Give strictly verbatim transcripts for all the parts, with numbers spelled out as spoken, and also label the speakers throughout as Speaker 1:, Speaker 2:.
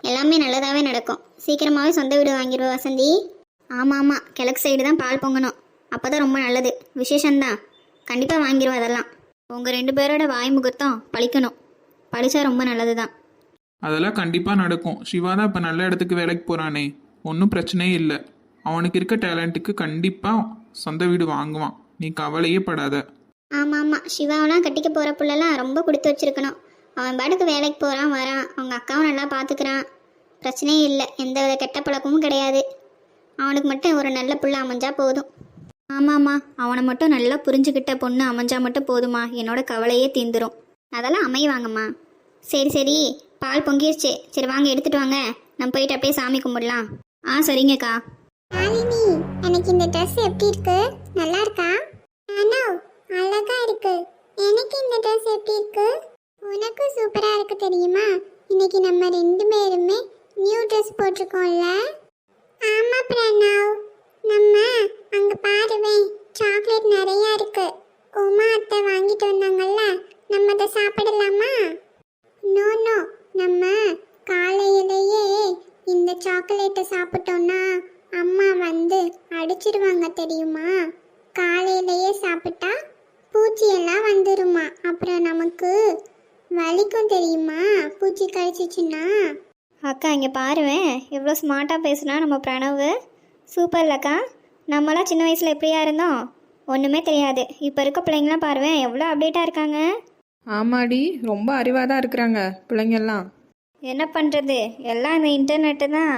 Speaker 1: எல்லாமே நல்லதாகவே நடக்கும். சீக்கிரமாகவே சொந்த வீடு வாங்கிடுவோம் வசந்தி. ஆமாம் ஆமாம், கிழக்கு சைடு தான் பால் பொங்கணும். அப்போ தான் ரொம்ப நல்லது, விசேஷந்தான். கண்டிப்பாக வாங்கிடுவோம். அதெல்லாம் உங்கள் ரெண்டு பேரோட வாய் முகூர்த்தம் பழிக்கணும். படித்தா ரொம்ப நல்லது தான்.
Speaker 2: அதெல்லாம் கண்டிப்பாக நடக்கும். சிவா தான் இப்போ நல்ல இடத்துக்கு வேலைக்கு போகிறானே, ஒன்றும் பிரச்சனையே இல்லை. அவனுக்கு இருக்க டேலண்ட்டுக்கு கண்டிப்பாக சொந்த வீடு வாங்குவான். நீ கவலையே படாத.
Speaker 1: ஆமாம் ஆமாம், சிவாவெல்லாம் கட்டிக்க போகிற பிள்ளைலாம் ரொம்ப கொடுத்து வச்சிருக்கணும். அவன் பாட்டுக்கு வேலைக்கு போகிறான் வரான், அவங்க அக்காவும் நல்லா பார்த்துக்கிறான். பிரச்சனையே இல்லை, எந்த வித கெட்ட பழக்கமும் கிடையாது. அவனுக்கு மட்டும் ஒரு நல்ல புள்ள அமைஞ்சா போதும். ஆமாம்மா, அவனை மட்டும் நல்லா புரிஞ்சுக்கிட்ட பொண்ணு அமைஞ்சா மட்டும் போதுமா, என்னோட கவலையே தீந்துடும். அதெல்லாம் அமைவாங்கம்மா. சரி சரி, பால் பொங்கிருச்சு. சரி வாங்க எடுத்துட்டு வாங்க, நம்ம போயிட்டு அப்படியே சாமி கும்பிடலாம். ஆ சரிங்கக்கா.
Speaker 3: மாலினி, எனக்கு இந்த ட்ரெஸ் எப்படி இருக்கு? நல்லா இருக்கா? அனோ, அழகா இருக்கு. எனக்கு இந்த ட்ரெஸ் எப்படி இருக்கு? உனக்கும் சூப்பரா இருக்கு தெரியுமா? இன்னைக்கு நம்ம ரெண்டு பேருமே நியூ ட்ரெஸ் போட்டிருக்கோம்ல. ஆமா பிரணவ், நம்ம அங்க பாருவே, சாக்லேட் நிறைய இருக்கு. உமா அத்தை வாங்கிட்டு வந்தாங்கல்ல, நம்ம அதை சாப்பிடலாமா? நோ நோ, நம்ம காலையிலேயே இந்த சாக்லேட்டை சாப்பிட்டோம்னா அம்மா வந்து அடிச்சிடுவாங்க தெரியுமா? காலையிலேயே சாப்பிட்டா பூச்சியெல்லாம் வந்துருமா, அப்புறம் நமக்கு வலிக்கும் தெரியுமா பூச்சி கழிச்சிச்சுன்னா.
Speaker 1: அக்கா இங்கே பாருவேன், எவ்வளோ ஸ்மார்ட்டாக பேசுனா நம்ம பிரணவ். சூப்பர் இல்லக்கா. நம்மளாம் சின்ன வயசில் எப்படியா இருந்தோம், ஒன்றுமே தெரியாது. இப்போ இருக்க பிள்ளைங்களாம் பாருவேன் எவ்வளோ அப்டேட்டாக இருக்காங்க.
Speaker 4: ஆமாடி, ரொம்ப அறிவாக தான் இருக்கிறாங்க பிள்ளைங்கெல்லாம்.
Speaker 1: என்ன பண்ணுறது, எல்லாம் இந்த இன்டர்நெட்டு தான்.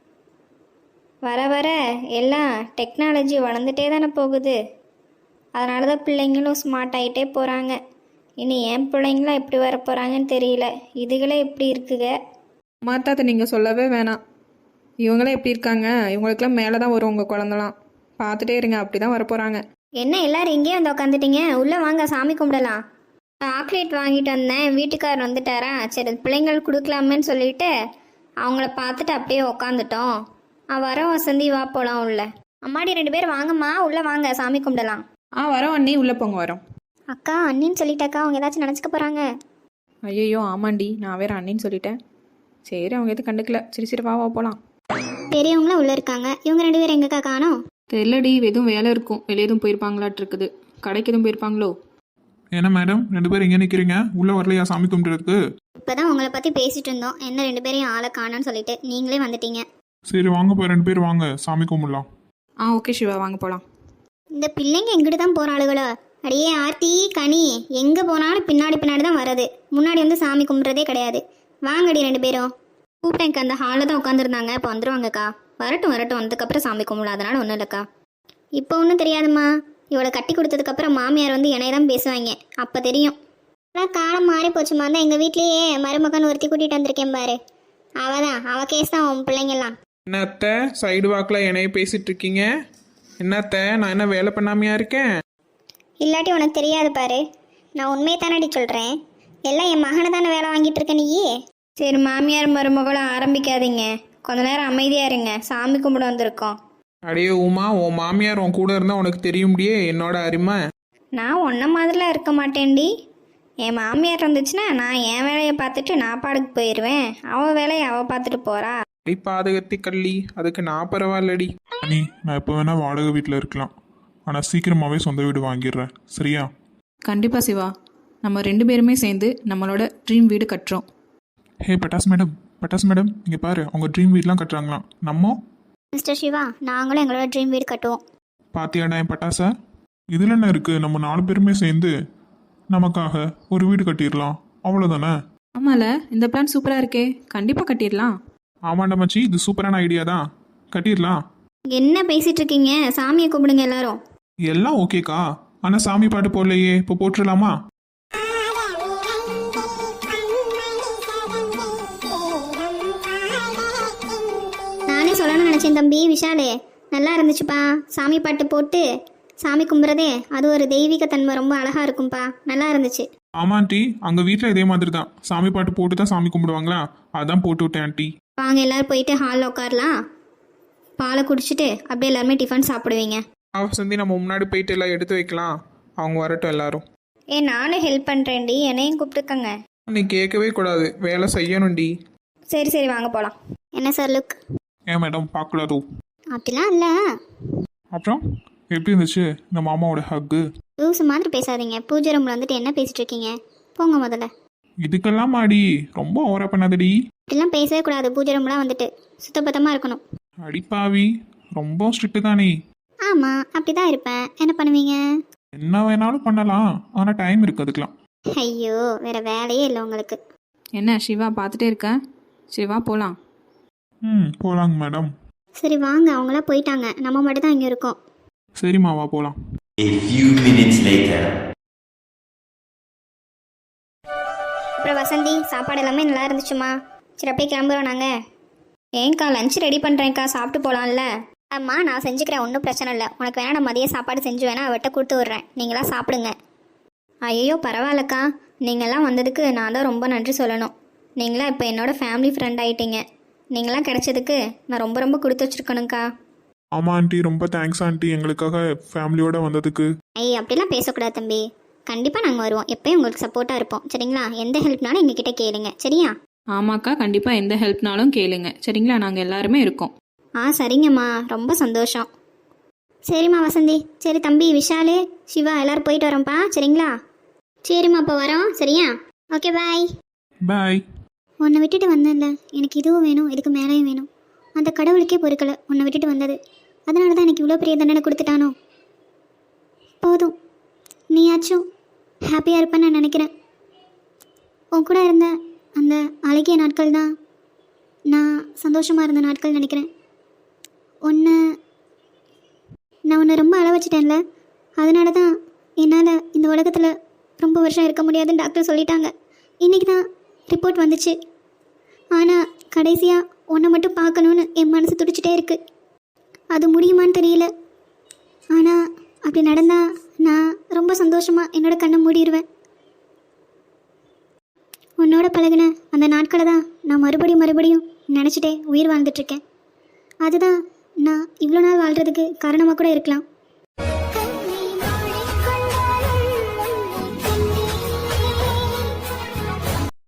Speaker 1: வர வர எல்லாம் டெக்னாலஜி வளர்ந்துட்டே தானே போகுது. அதனால தான் பிள்ளைங்களும் ஸ்மார்ட் ஆகிட்டே போகிறாங்க. இனி என் பிள்ளைங்களாம் எப்படி வர போகிறாங்கன்னு தெரியல. இதுகளே எப்படி இருக்குங்க.
Speaker 4: மாத்தாத்த நீங்கள் சொல்லவே வேணாம். இவங்களாம் எப்படி இருக்காங்க, இவங்களுக்கெல்லாம் மேலே தான் வரும் உங்கள் குழந்தலாம். பார்த்துட்டே இருங்க, அப்படி தான் வரப்போகிறாங்க.
Speaker 1: என்ன எல்லாரும் இங்கேயே வந்து உட்காந்துட்டீங்க? உள்ளே வாங்க, சாமி கும்பிடலாம். சாக்லேட் வாங்கிட்டு வந்தேன், வீட்டுக்காரர் வந்துட்டாரா, சரி பிள்ளைங்களுக்கு கொடுக்கலாமேன்னு சொல்லிட்டு அவங்கள பார்த்துட்டு அப்படியே உக்காந்துட்டோம். ஆ வரோம் வசந்தி, வா போகலாம் உள்ள. அம்மாடி ரெண்டு பேர் வாங்கம்மா, உள்ளே வாங்க, சாமி கும்பிடலாம்.
Speaker 4: ஆ வரோம் அண்ணி, உள்ளே போங்க வரோம்.
Speaker 1: அக்கா அண்ணின்னு சொல்லிட்டாக்கா, அவங்க ஏதாச்சும் நினச்சிக்க போகிறாங்க.
Speaker 4: ஐயோ ஆமாண்டி, நான் வேறு அண்ணின்னு சொல்லிட்டேன். சரி அவங்க எதுவும் கண்டுக்கல. சரி சரி வா வா போகலாம்.
Speaker 1: பெரியவங்களும் உள்ளே இருக்காங்க. இவங்க ரெண்டு பேரும் எங்கக்கா காணோம்?
Speaker 4: தெரியலடி, எதுவும் வேலை இருக்கும், வெளியே எதுவும் போயிருப்பாங்களாட்டு இருக்குது. கடைக்கு எதுவும் போயிருப்பாங்களோ.
Speaker 2: என்ன மேடம் ரெண்டு பேரும் இங்கே நிற்கிறீங்க, உள்ளே வரலையா சாமி கும்பிட்டுறதுக்கு?
Speaker 1: இப்போ தான் உங்களை பற்றி பேசிட்டு இருந்தோம், என்ன ரெண்டு பேரையும் ஆளை காணோன்னு சொல்லிட்டு நீங்களே வந்துட்டீங்க.
Speaker 2: சரி வாங்க போய் ரெண்டு பேர் வாங்க சாமி கும்பிடலாம்.
Speaker 4: ஆ ஓகே சிவா, வாங்க போகலாம்.
Speaker 1: இந்த பிள்ளைங்க எங்கிட்ட தான் போகிற ஆளுகளோ. அடியே ஆர்த்தி கனி, எங்கே போனாலும் பின்னாடி பின்னாடி தான் வருது, முன்னாடி வந்து சாமி கும்பிட்றதே கிடையாது. வாங்கடி ரெண்டு பேரும். கூப்பிட்டேங்க, அந்த ஹாலில் தான் உட்காந்துருந்தாங்க, இப்போ வந்துடுவாங்கக்கா. வரட்டும் வரட்டும், வந்ததுக்கப்புறம் சாமி கும்பிடலாம், அதனால ஒன்றும் இல்லைக்கா. இப்போ ஒன்றும் தெரியாதுமா, இவளை கட்டி கொடுத்ததுக்கப்புறம் மாமியார் வந்து என்னை தான் பேசுவாங்க, அப்போ தெரியும். ஆனால் காலம் மாறி போச்சுமா. தான் எங்கள் வீட்லேயே மருமகன் ஒருத்தி கூட்டிகிட்டு வந்திருக்கேன் பாரு, அவள் தான், அவள் கேஸ் தான் உன் பிள்ளைங்கெல்லாம்.
Speaker 2: என்னத்த சைடு வாக்கில் என்னைய பேசிட்டு இருக்கீங்க? என்னத்த நான் என்ன வேலை பண்ணாமையா இருக்கேன்?
Speaker 1: இல்லாட்டி உனக்கு தெரியாது பாரு, நான் உண்மையை தானடி சொல்கிறேன். எல்லாம் என் மகனை தானே வேலை வாங்கிட்டு இருக்க நீயே. சரி மாமியார் மருமகளும் ஆரம்பிக்காதீங்க, கொஞ்ச நேரம் அமைதியாக இருங்க, சாமி கும்பிட வந்திருக்கோம்.
Speaker 2: அடையே உமா, உன் மாமியார் உன் கூட இருந்தால் உனக்கு தெரியும்டியே என்னோட அருமை.
Speaker 1: நான் ஒன்றை மாதிரிலாம் இருக்க மாட்டேன்டி. என் மாமியார் இருந்துச்சுன்னா நான் என் வேலையை பார்த்துட்டு நான் பாடுக்கு போயிடுவேன், அவள் வேலையை அவள் பார்த்துட்டு போகிறா.
Speaker 2: அடி பாதகத்தி கள்ளி, அதுக்கு நான் பரவாயில்லடி.
Speaker 5: அண்ணி, நான் எப்போ வேணா வாடகை வீட்டில் இருக்கலாம், ஆனால் சீக்கிரமாகவே சொந்த வீடு வாங்கிடுறேன், சரியா?
Speaker 4: கண்டிப்பாக சிவா, நம்ம ரெண்டு பேருமே சேர்ந்து நம்மளோட ட்ரீம் வீடு கட்டுறோம்.
Speaker 5: ஹே பட்டாஸ் மேடம், பட்டாஸ் மேடம் இங்கே பாரு, அவங்க ட்ரீம் வீட்லாம் கட்டுறாங்களாம். நம்ம
Speaker 1: மிஸ்டர் சிவா, நாங்களும் எங்களோட ட்ரீம் வீடு கட்டுவோம்.
Speaker 5: பாத்தியாடா என் பட்டாசா? இதில் என்ன இருக்குது, நம்ம நாலு பேருமே சேர்ந்து நமக்காக ஒரு வீடு கட்டிடலாம், அவ்வளோதானே?
Speaker 4: ஆமால, இந்த பிளான் சூப்பராக இருக்கே, கண்டிப்பாக கட்டிடலாம்.
Speaker 5: ஆமாண்டா மச்சி, இது சூப்பரான ஐடியா தான், கட்டிடலாம்.
Speaker 1: என்ன பேசிட்டு இருக்கீங்க? சாமியை கூப்பிடுங்க எல்லாரும்.
Speaker 5: எல்லாம் ஓகேக்கா, ஆனால் சாமி பாட்டு போடலையே, இப்போ போட்டுடலாமா?
Speaker 1: நானே சொல்லணும்னு நினச்சேன் தம்பி விஷாலே, நல்லா இருந்துச்சுப்பா. சாமி பாட்டு போட்டு சாமி கும்பிட்றதே அது ஒரு தெய்வீக தன்மை, ரொம்ப அழகாக இருக்கும்ப்பா, நல்லா இருந்துச்சு.
Speaker 5: ஆமா ஆண்டி, அங்கே வீட்டில் இதே மாதிரி தான் சாமி பாட்டு போட்டு தான் சாமி கும்பிடுவாங்களா, அதான் போட்டு விட்டேன் ஆண்டி.
Speaker 1: வாங்க எல்லாரும் போயிட்டு ஹாலில் உட்காரலாம், பாலை குடிச்சிட்டு அப்படியே எல்லாருமே டிஃபன் சாப்பிடுவீங்க.
Speaker 2: வசந்தி நம்ம முன்னாடி போயிட்டு எல்லாம் எடுத்து வைக்கலாம், அவங்க வரட்டும் எல்லாரும்.
Speaker 1: ஏ நானும் ஹெல்ப் பண்ணுறேன்டி, என்னையும் கூப்பிட்டுக்கங்க.
Speaker 2: நீ கேட்கவே கூடாது, வேலை செய்யணும்டி.
Speaker 4: சரி சரி வாங்க போகலாம்.
Speaker 1: என்ன சார் லுக்?
Speaker 5: ஏன் மேடம் பார்க்கலாதோ?
Speaker 1: அப்படிலாம் இல்லை.
Speaker 5: அப்புறம் எப்படி இருந்துச்சு இந்த மாமாவோட ஹக்கு?
Speaker 1: லூஸ் மாதிரி பேசாதீங்க. பூஜை ரூமில் வந்துட்டு என்ன பேசிட்டு இருக்கீங்க? போங்க முதல்ல.
Speaker 5: இதுக்கெல்லாம் மாடி ரொம்ப ஓவரா பண்ணாதடி.
Speaker 1: இப்படிலாம் பேசவே கூடாது. பூஜை ரூம்லாம் வந்துட்டு சுத்தபத்தமாக இருக்கணும்.
Speaker 5: அடிப்பாவி, ரொம்ப ஸ்ட்ரிக்ட் தானே.
Speaker 1: ஆமாம், அப்படி தான் இருப்பேன். என்ன பண்ணுவீங்க?
Speaker 5: என்ன வேணாலும் பண்ணலாம், ஆனால் டைம் இருக்கு அதுக்கெலாம்.
Speaker 1: ஐயோ, வேற வேலையே இல்லை உங்களுக்கு.
Speaker 4: என்ன சிவா பார்த்துட்டே இருக்க? சிவா போகலாம்.
Speaker 5: ம் போகலாங்க மேடம்.
Speaker 1: சரி வாங்க, அவங்களாம் போயிட்டாங்க. நம்ம மட்டும் தான் இங்கே இருக்கோம்.
Speaker 5: சரிம்மாவா போகலாம்.
Speaker 6: A few minutes later.
Speaker 1: அப்புறம் வசந்தி, சாப்பாடு எல்லாமே நல்லா இருந்துச்சுமா? சரி அப்படியே கிளம்புறோம் நாங்கள். ஏங்க்கா லஞ்ச் ரெடி பண்ணுறேன்க்கா, சாப்பிட்டு போகலாம்ல? அம்மா நான் செஞ்சுக்கிறேன், ஒன்றும் பிரச்சனை இல்லை. உனக்கு வேணா நான் மதிய சாப்பாடு செஞ்சு வேணா அவட்ட கொடுத்து விட்றேன், நீங்களாம் சாப்பிடுங்க. ஐயோ பரவாயில்லக்கா, நீங்களாம் வந்ததுக்கு நான் தான் ரொம்ப நன்றி சொல்லணும். நீங்களாம் இப்போ என்னோடய ஃபேமிலி ஃப்ரெண்ட் ஆகிட்டீங்க. நீங்களாம் கிடைச்சதுக்கு நான் ரொம்ப ரொம்ப கொடுத்து வச்சுருக்கணுங்க்கா.
Speaker 5: ஆமாம் ஆண்டி, ரொம்ப தேங்க்ஸ் ஆண்டி எங்களுக்காக ஃபேமிலியோட வந்ததுக்கு.
Speaker 1: ஐய் அப்படிலாம் பேசக்கூடாது தம்பி. கண்டிப்பாக நாங்கள் வருவோம், எப்போயும் உங்களுக்கு சப்போர்ட்டாக இருப்போம். சரிங்களா? எந்த ஹெல்ப்னாலும் எங்ககிட்ட கேளுங்க. சரியா?
Speaker 4: ஆமாக்கா, கண்டிப்பாக எந்த ஹெல்ப்னாலும் கேளுங்க. சரிங்களா? நாங்கள் எல்லாருமே இருக்கோம்.
Speaker 1: ஆ சரிங்கம்மா, ரொம்ப சந்தோஷம். சரிம்மா வசந்தி. சரி தம்பி விஷாலு, சிவா எல்லோரும் போயிட்டு வரோம்ப்பா. சரிங்களா? சரிம்மா, அப்போ வரோம். சரியா? Okay bye.
Speaker 5: பாய்.
Speaker 1: உன்னை விட்டுட்டு வந்தேன்ல, எனக்கு இதுவும் வேணும், இதுக்கு மேலேயும் வேணும். அந்த கடவுளுக்கே பொறுக்கலை உன்னை விட்டுட்டு வந்தது. அதனால தான் எனக்கு இவ்வளோ பெரிய தண்டனை கொடுத்துட்டானோ. போதும், நீயாச்சும் ஹாப்பியாக இருப்பேன்னு நான் நினைக்கிறேன். உன் கூட இருந்த அந்த அழகிய நாட்கள் தான் நான் சந்தோஷமாக இருந்த நாட்கள் நினைக்கிறேன். உன்னை நான் உன்னை ரொம்ப அழ வச்சிட்டேன்ல, அதனால தான் என்னால் இந்த உலகத்தில் ரொம்ப வருஷம் இருக்க முடியாதுன்னு டாக்டர் சொல்லிட்டாங்க. இன்றைக்கி தான் ரிப்போர்ட் வந்துச்சு. ஆனால் கடைசியாக உன்னை மட்டும் பார்க்கணுன்னு என் மனசு துடிச்சிட்டே இருக்குது. அது முடியுமான்னு தெரியல. ஆனால் அப்படி நடந்தால் நான் ரொம்ப சந்தோஷமாக என்னோட கண்ணை மூடிடுவேன். உன்னோட பழகின அந்த நாட்களை தான் நான் மறுபடியும் மறுபடியும் நினச்சிட்டே உயிர் வாழ்ந்துட்டுருக்கேன். அதுதான் நான் இவ்வளோ நாள் வாழ்கிறதுக்கு காரணமாக கூட இருக்கலாம்.